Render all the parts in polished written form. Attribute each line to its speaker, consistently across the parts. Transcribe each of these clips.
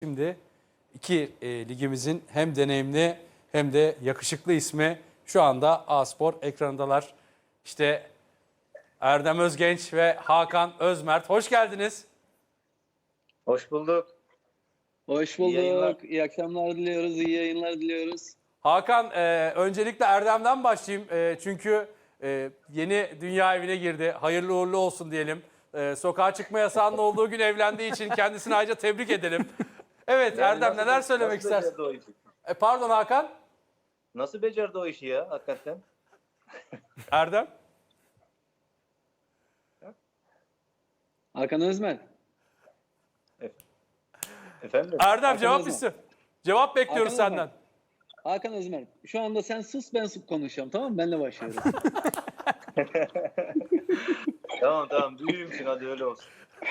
Speaker 1: Şimdi iki ligimizin hem deneyimli hem de yakışıklı ismi şu anda A-Spor ekranındalar. İşte Erdem Özgenç ve Hakan Özmert. Hoş geldiniz.
Speaker 2: Hoş bulduk.
Speaker 3: Hoş
Speaker 2: İyi yayınlar.
Speaker 3: bulduk. İyi akşamlar diliyoruz. İyi yayınlar diliyoruz.
Speaker 1: Hakan, öncelikle Erdem'den başlayayım. Çünkü yeni dünya evine girdi. Hayırlı uğurlu olsun diyelim. Sokağa çıkma yasağının olduğu gün evlendiği için kendisini ayrıca tebrik edelim. Evet
Speaker 2: Yani
Speaker 1: Erdem, neler söylemek
Speaker 2: nasıl
Speaker 1: istersin?
Speaker 2: becerdi o işi?
Speaker 1: Pardon Hakan.
Speaker 2: Nasıl becerdi o işi ya hakikaten?
Speaker 1: Erdem.
Speaker 3: Hakan Özmen.
Speaker 2: Efendim?
Speaker 1: Erdem
Speaker 3: Hakan
Speaker 1: cevap
Speaker 3: Özmen.
Speaker 1: istiyor. Cevap bekliyoruz
Speaker 3: Hakan
Speaker 1: senden.
Speaker 3: Özmen. Hakan Özmen. Şu anda sen sus ben sus konuşacağım, tamam mı? Benle başlıyorum.
Speaker 2: Tamam büyüğümsün, hadi öyle olsun.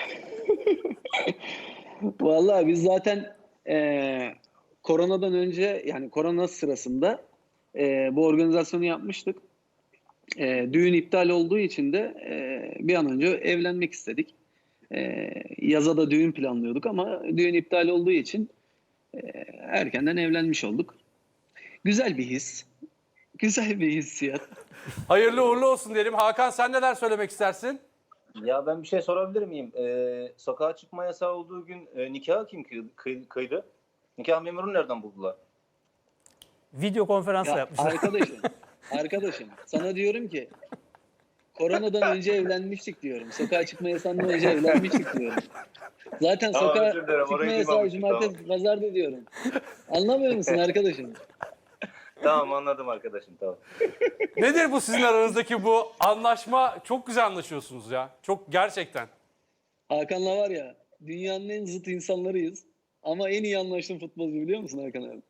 Speaker 3: Vallahi biz zaten koronadan önce, yani korona sırasında bu organizasyonu yapmıştık. Düğün iptal olduğu için de bir an önce evlenmek istedik. Yaza da düğün planlıyorduk ama düğün iptal olduğu için erkenden evlenmiş olduk. Güzel bir his. Güzel bir hissiyat.
Speaker 1: Hayırlı uğurlu olsun diyelim. Hakan, sen neler söylemek istersin?
Speaker 2: Ya ben bir şey sorabilir miyim? Sokağa çıkma yasağı olduğu gün nikahı kim kıydı? Nikah memurunu nereden buldular?
Speaker 4: Video konferansla
Speaker 3: Ya
Speaker 4: yapmışlar.
Speaker 3: arkadaşım sana diyorum ki koronadan önce evlenmiştik diyorum. Sokağa çıkma yasağından önce evlenmiştik diyorum. Zaten
Speaker 2: Tamam,
Speaker 3: sokağa
Speaker 2: özür dilerim,
Speaker 3: çıkma
Speaker 2: orayı
Speaker 3: yasağı
Speaker 2: duymamıştım,
Speaker 3: cumartesi pazarda diyorum. Anlamıyor musun arkadaşım?
Speaker 2: Tamam, anladım arkadaşım, tamam.
Speaker 1: Nedir bu sizin aranızdaki bu anlaşma? Çok güzel anlaşıyorsunuz ya. Çok gerçekten.
Speaker 3: Hakan'la var ya, dünyanın en zıt insanlarıyız. Ama en iyi anlaştığım futbolcu, biliyor musun Hakan abi?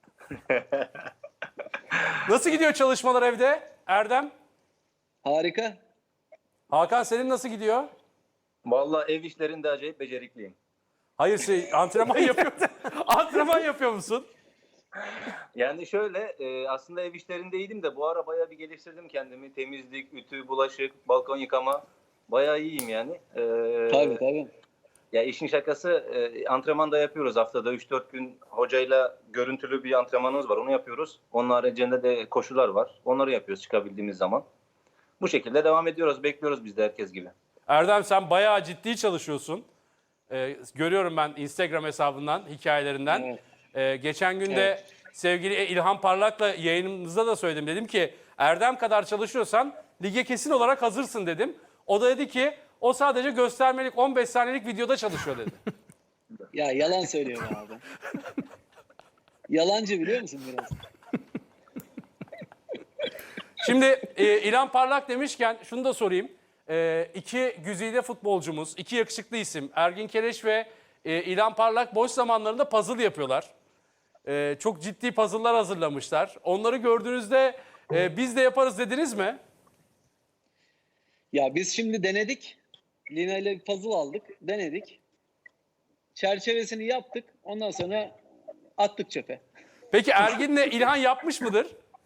Speaker 1: Nasıl gidiyor çalışmalar evde Erdem?
Speaker 3: Harika.
Speaker 1: Hakan, senin nasıl gidiyor?
Speaker 2: Vallahi ev işlerinde acayip becerikliyim.
Speaker 1: Hayır, antrenman yapıyor. Antrenman yapıyor musun?
Speaker 2: Yani şöyle, aslında ev işlerindeydim de bu ara bayağı bir geliştirdim kendimi. Temizlik, ütü, bulaşık, balkon yıkama. Bayağı iyiyim yani.
Speaker 3: Tabii.
Speaker 2: Ya işin şakası, antrenman da yapıyoruz haftada 3-4 gün hocayla görüntülü bir antrenmanımız var, onu yapıyoruz. Onun haricinde de koşular var. Onları yapıyoruz çıkabildiğimiz zaman. Bu şekilde devam ediyoruz. Bekliyoruz biz de herkes gibi.
Speaker 1: Erdem, sen bayağı ciddi çalışıyorsun. Görüyorum ben Instagram hesabından, hikayelerinden. Geçen gün de
Speaker 3: Evet.
Speaker 1: sevgili İlhan Parlak'la yayınımızda da söyledim. Dedim ki Erdem kadar çalışıyorsan lige kesin olarak hazırsın dedim. O da dedi ki o sadece göstermelik 15 saniyelik videoda çalışıyor dedi.
Speaker 3: Ya yalan söylüyor be abi. Yalancı, biliyor musun biraz?
Speaker 1: Şimdi İlhan Parlak demişken şunu da sorayım. İki güzide futbolcumuz, iki yakışıklı isim Ergin Keleş ve İlhan Parlak boş zamanlarında puzzle yapıyorlar. Çok ciddi puzzle'lar hazırlamışlar. Onları gördüğünüzde biz de yaparız dediniz mi?
Speaker 3: Ya biz şimdi denedik. Lina ile bir puzzle aldık. Denedik. Çerçevesini yaptık. Ondan sonra attık çöpe.
Speaker 1: Peki Ergin'le İlhan yapmış mıdır?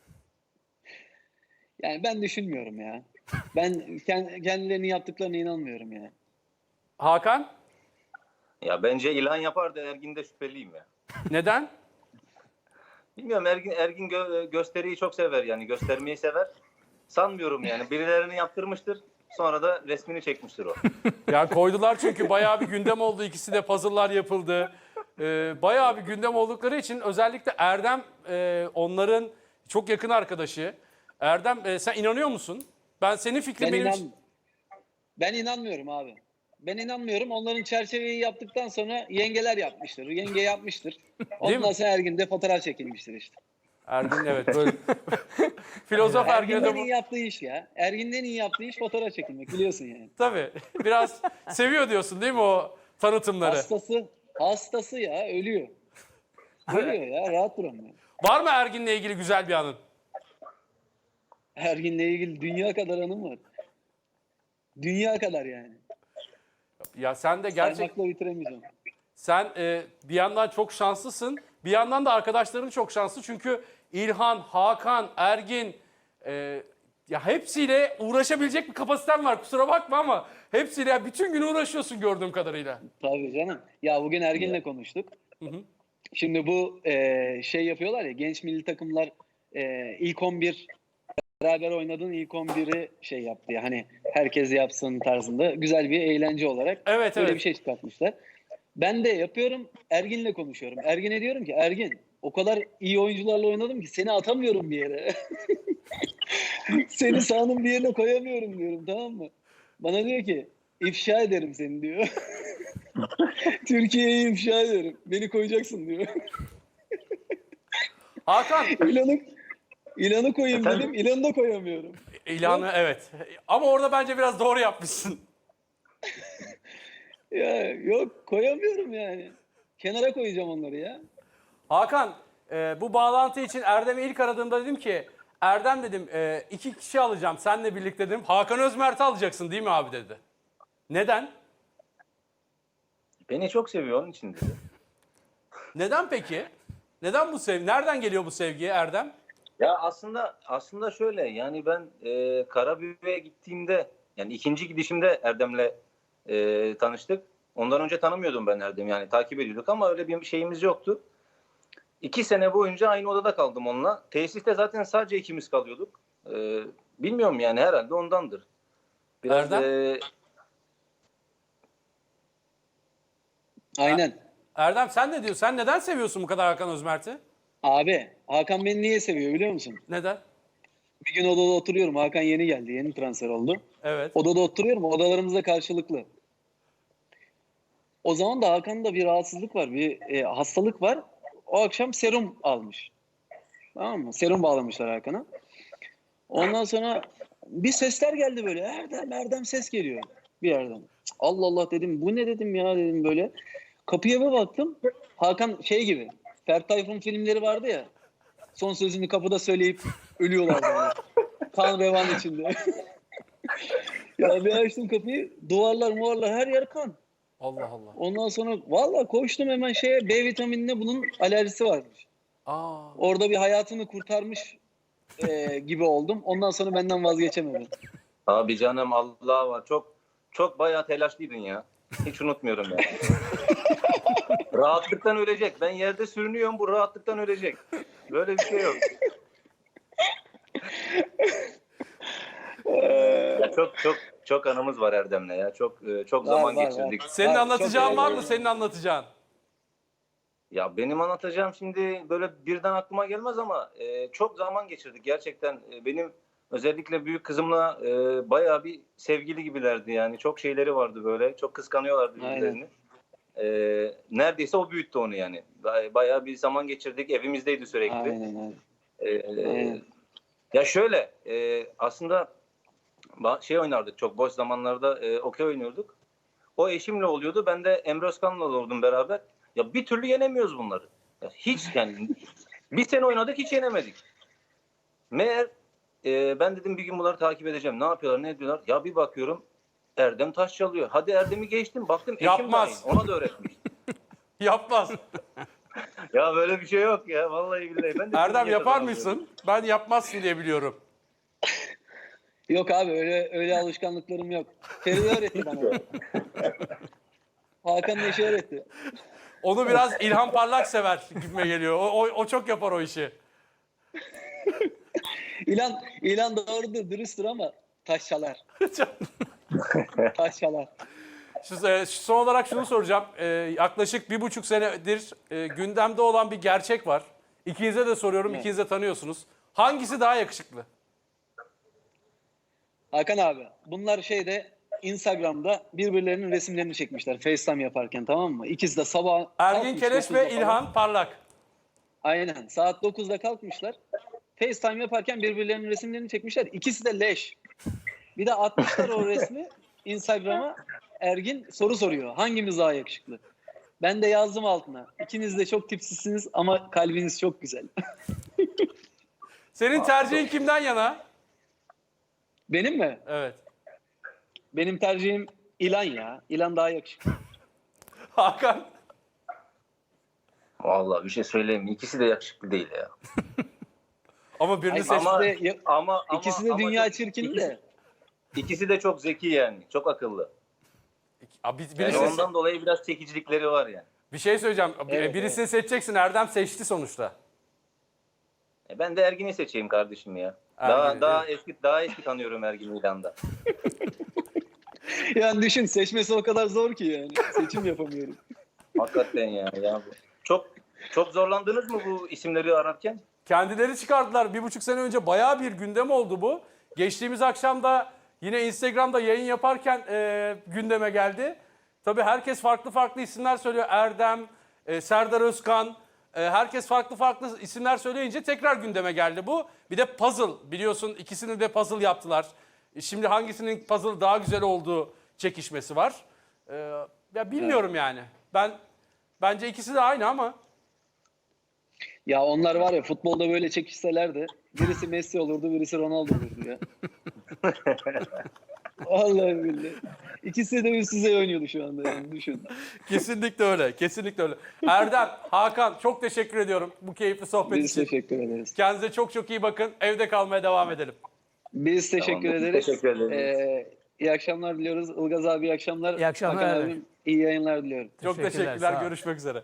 Speaker 3: Yani ben düşünmüyorum ya. Ben kendilerinin yaptıklarına inanmıyorum ya.
Speaker 1: Hakan,
Speaker 2: Ya bence İlhan yapar da Ergin'de şüpheliyim ya.
Speaker 1: neden?
Speaker 2: Bilmiyorum, Ergin gösteriyi çok sever, yani göstermeyi sever. Sanmıyorum yani, birilerini yaptırmıştır. Sonra da resmini çekmiştir o.
Speaker 1: Ya koydular çünkü bayağı bir gündem oldu. İkisi de puzzle'lar yapıldı. Bayağı bir gündem oldukları için özellikle Erdem onların çok yakın arkadaşı. Erdem, sen inanıyor musun? Ben senin fikrin
Speaker 3: Ben inanmıyorum abi. Ben inanmıyorum. Onların çerçeveyi yaptıktan sonra yengeler yapmıştır. Yenge yapmıştır. Ondan sonra Ergin de fotoğraf çekilmiştir işte.
Speaker 1: Ergin, evet, böyle filozof Ergin'e
Speaker 3: Ergin'den
Speaker 1: de
Speaker 3: iyi yaptığı iş ya. Ergin'den iyi yaptığı iş fotoğraf çekilmek, biliyorsun yani.
Speaker 1: tabii biraz seviyor diyorsun değil mi o tanıtımları?
Speaker 3: Hastası ya, ölüyor. Ölüyor ya, rahat duramıyor.
Speaker 1: Var mı Ergin'le ilgili güzel bir anın?
Speaker 3: Ergin'le ilgili dünya kadar anım var. Dünya kadar yani.
Speaker 1: Ya sen de gerçek
Speaker 3: Saymakla bitiremeyeceğim.
Speaker 1: sen bir yandan çok şanslısın. Bir yandan da arkadaşların çok şanslı. Çünkü İlhan, Hakan, Ergin ya hepsiyle uğraşabilecek bir kapasiten var. Kusura bakma ama hepsiyle bütün gün uğraşıyorsun gördüğüm kadarıyla.
Speaker 3: Tabii canım. Ya bugün Ergin'le konuştuk. Şimdi bu şey yapıyorlar ya, genç milli takımlar ilk 11 beraber oynadığın ilk 11'i şey yaptı ya, hani herkes yapsın tarzında güzel bir eğlence olarak
Speaker 1: Evet,
Speaker 3: böyle
Speaker 1: evet.
Speaker 3: bir şey çıkartmışlar. Ben de yapıyorum, Ergin'le konuşuyorum. Ergin'e diyorum ki Ergin, o kadar iyi oyuncularla oynadım ki seni atamıyorum bir yere. Seni sahanın bir yerine koyamıyorum diyorum, tamam mı? Bana diyor ki ifşa ederim seni diyor. Türkiye'yi ifşa ederim. Beni koyacaksın diyor.
Speaker 1: Hakan,
Speaker 3: İlanı koyayım
Speaker 2: Efendim?
Speaker 3: dedim. İlanı da koyamıyorum.
Speaker 1: ilanı evet. Ama orada bence biraz doğru yapmışsın.
Speaker 3: Ya yok, koyamıyorum yani. Kenara koyacağım onları ya.
Speaker 1: Hakan, bu bağlantı için Erdem'i ilk aradığımda dedim ki Erdem dedim 2 kişi alacağım seninle birlikte dedim. Hakan Özmert'i alacaksın değil mi abi dedi. Neden?
Speaker 2: Beni çok seviyor onun için dedi.
Speaker 1: Neden peki? Neden bu sevgi? Nereden geliyor bu sevgi Erdem?
Speaker 2: Ya aslında şöyle, yani ben Karabük'e gittiğimde, yani ikinci gidişimde Erdem'le tanıştık. Ondan önce tanımıyordum ben Erdem'i, yani takip ediyorduk ama öyle bir şeyimiz yoktu. 2 sene boyunca aynı odada kaldım onunla. Tesiste zaten sadece ikimiz kalıyorduk. Bilmiyorum yani, herhalde ondandır. Biraz
Speaker 1: Erdem?
Speaker 3: Aynen.
Speaker 1: Erdem sen ne diyorsun? Sen neden seviyorsun bu kadar Hakan Özmert'i?
Speaker 3: Abi Hakan beni niye seviyor biliyor musun?
Speaker 1: Neden?
Speaker 3: Bir gün odada oturuyorum. Hakan yeni geldi. Yeni transfer oldu.
Speaker 1: Evet.
Speaker 3: Odada oturuyorum. Odalarımızda karşılıklı. O zaman da Hakan'da bir rahatsızlık var. Bir hastalık var. O akşam serum almış. Tamam mı? Serum bağlamışlar Hakan'a. Ondan sonra bir sesler geldi böyle. Erdem, Erdem ses geliyor bir yerden. Allah Allah dedim. Bu ne dedim ya dedim böyle. Kapıya bir baktım. Hakan şey gibi. Ferdi Tayfun filmleri vardı ya. Son sözünü kapıda söyleyip ölüyorlar böyle. Kan revan içinde. Ya bir açtım kapıyı. Duvarlar her yer kan.
Speaker 1: Allah Allah.
Speaker 3: Ondan sonra valla koştum hemen şeye, B vitaminine, bunun alerjisi varmış.
Speaker 1: Aa.
Speaker 3: Orada bir hayatını kurtarmış gibi oldum. Ondan sonra benden vazgeçemedim.
Speaker 2: Abi canım, Allah var. Çok bayağı telaşlıydın ya. Hiç unutmuyorum ya. Rahatlıktan ölecek. Ben yerde sürünüyorum, bu rahatlıktan ölecek. Böyle bir şey yok. Ya çok anımız var Erdem'le ya. Çok zaman
Speaker 3: Var.
Speaker 2: geçirdik.
Speaker 1: Senin
Speaker 3: Var,
Speaker 1: anlatacağın
Speaker 3: çok
Speaker 1: var
Speaker 3: önemli.
Speaker 1: mı? Senin anlatacağın.
Speaker 2: Ya benim anlatacağım şimdi böyle birden aklıma gelmez ama çok zaman geçirdik gerçekten. Benim özellikle büyük kızımla bayağı bir sevgili gibilerdi yani. Çok şeyleri vardı böyle. Çok kıskanıyorlardı birbirlerini. Neredeyse o büyüttü onu yani. Bayağı bir zaman geçirdik. Evimizdeydi sürekli.
Speaker 3: Aynen.
Speaker 2: Ya şöyle, aslında şey oynardık çok boş zamanlarda, okey oynuyorduk. O eşimle oluyordu. Ben de Emre Özkan'la olurdum beraber. Ya bir türlü yenemiyoruz bunları. Ya hiç yani bir sene oynadık, hiç yenemedik. Meğer ben dedim bir gün bunları takip edeceğim. Ne yapıyorlar, ne ediyorlar? Ya bir bakıyorum Erdem taş çalıyor. Hadi Erdem'i geçtim. Baktım eşim
Speaker 1: Yapmaz.
Speaker 2: dahil. Ona da öğretmiş.
Speaker 1: Yapmaz.
Speaker 2: Ya böyle bir şey yok ya. Vallahi billahi. Ben de
Speaker 1: Erdem
Speaker 2: bunu
Speaker 1: yapar
Speaker 2: yaşadım.
Speaker 1: mısın? Ben yapmazsın diye biliyorum.
Speaker 3: Yok abi, öyle alışkanlıklarım yok. Feride öğretti bana. Hakan Neşe öğretti.
Speaker 1: Onu biraz İlhan Parlak sever gibime geliyor. O çok yapar o işi.
Speaker 3: İlan doğrudur, dürüsttür ama taş çalar. Taş çalar.
Speaker 1: Son olarak şunu soracağım. Yaklaşık 1,5 senedir gündemde olan bir gerçek var. İkinize de soruyorum.
Speaker 3: Evet.
Speaker 1: İkiniz de tanıyorsunuz. Hangisi daha yakışıklı?
Speaker 3: Hakan abi, bunlar Instagram'da birbirlerinin resimlerini çekmişler FaceTime yaparken, tamam mı? İkisi de sabah
Speaker 1: Ergin
Speaker 3: kalkmış,
Speaker 1: Keleş
Speaker 3: 9'da
Speaker 1: ve
Speaker 3: falan.
Speaker 1: İlhan Parlak.
Speaker 3: Aynen, saat 9'da kalkmışlar. FaceTime yaparken birbirlerinin resimlerini çekmişler. İkisi de leş. Bir de atmışlar o resmi Instagram'a. Ergin soru soruyor. Hangimiz daha yakışıklı? Ben de yazdım altına. İkiniz de çok tipsizsiniz ama kalbiniz çok güzel.
Speaker 1: Senin tercihin kimden yana?
Speaker 3: Benim mi?
Speaker 1: Evet.
Speaker 3: Benim tercihim İlan ya. İlan daha yakışıklı.
Speaker 1: Hakan.
Speaker 2: Vallahi bir şey söyleyeyim mi? İkisi de yakışıklı değil ya.
Speaker 1: Ama birini
Speaker 3: Ay,
Speaker 1: seç.
Speaker 3: İkisi de dünya çirkini de.
Speaker 2: İkisi de çok zeki yani. Çok akıllı.
Speaker 1: Abi,
Speaker 2: Yani ondan dolayı biraz çekicilikleri var yani.
Speaker 1: Bir şey söyleyeceğim.
Speaker 3: Evet,
Speaker 1: Birisini seçeceksin. Erdem seçti sonuçta.
Speaker 2: Ben de Ergin'i seçeyim kardeşim ya.
Speaker 1: Ergin'i,
Speaker 2: Daha eski tanıyorum Ergin'i İlan'da.
Speaker 3: Yani düşün, seçmesi o kadar zor ki yani. Seçim yapamıyorum.
Speaker 2: Hakikaten ya. Çok zorlandınız mı bu isimleri ararken?
Speaker 1: Kendileri çıkardılar. 1,5 sene önce bayağı bir gündem oldu bu. Geçtiğimiz akşam da yine Instagram'da yayın yaparken gündeme geldi. Tabii herkes farklı isimler söylüyor. Erdem, Serdar Özkan, herkes farklı isimler söyleyince tekrar gündeme geldi bu. Bir de puzzle, biliyorsun ikisini de puzzle yaptılar. Şimdi hangisinin puzzle daha güzel olduğu çekişmesi var. Ya bilmiyorum yani. Bence ikisi de aynı ama
Speaker 3: Ya onlar var ya, futbolda böyle çekişselerdi birisi Messi olurdu, birisi Ronaldo olurdu ya. Vallahi billahi. İkisi de üst düzey oynuyordu şu anda yani, düşün.
Speaker 1: kesinlikle öyle. Kesinlikle öyle. Erdem, Hakan çok teşekkür ediyorum bu keyifli sohbet
Speaker 3: Biz
Speaker 1: için.
Speaker 3: teşekkür ederiz.
Speaker 1: Kendinize çok iyi bakın. Evde kalmaya devam edelim.
Speaker 3: Biz teşekkür
Speaker 2: Tamam, biz
Speaker 3: ederiz.
Speaker 2: teşekkür ederiz.
Speaker 3: İyi akşamlar diliyoruz. Ilgaz abi iyi akşamlar.
Speaker 4: İyi akşamlar
Speaker 3: Hakan
Speaker 4: abi.
Speaker 3: abim iyi yayınlar diliyorum.
Speaker 1: Çok
Speaker 4: Teşekkürler,
Speaker 1: teşekkürler.
Speaker 4: sağ ol.
Speaker 1: Görüşmek üzere.